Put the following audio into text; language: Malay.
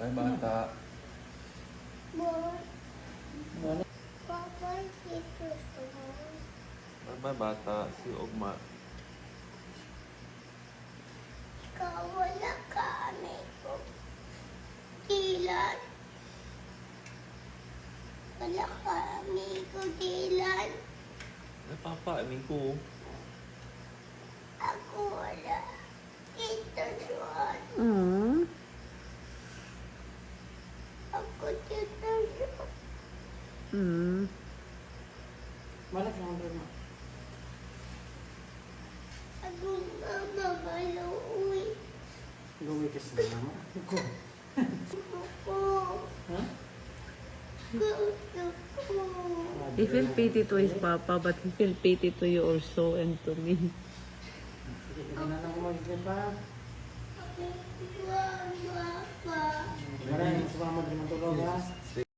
Ay, bata. Papa, dito sa Ay, bata. Si Ugma. ikaw wala kami ko. Dilan. Wala kami ko, Dilan. Ay, papa. Amin ko. Ako wala. Ito Juan. Ako dito Juan. Balik na ang mo. Ako mama maluwi. Luwi ka sa mama. Ako. Ako. Ha? Gusto ko. He feel pity to his papa, but he feel pity to you also and to me. Sige, pinanang mo yung pa. Mama pa. Maraming sa mama din matulog ha.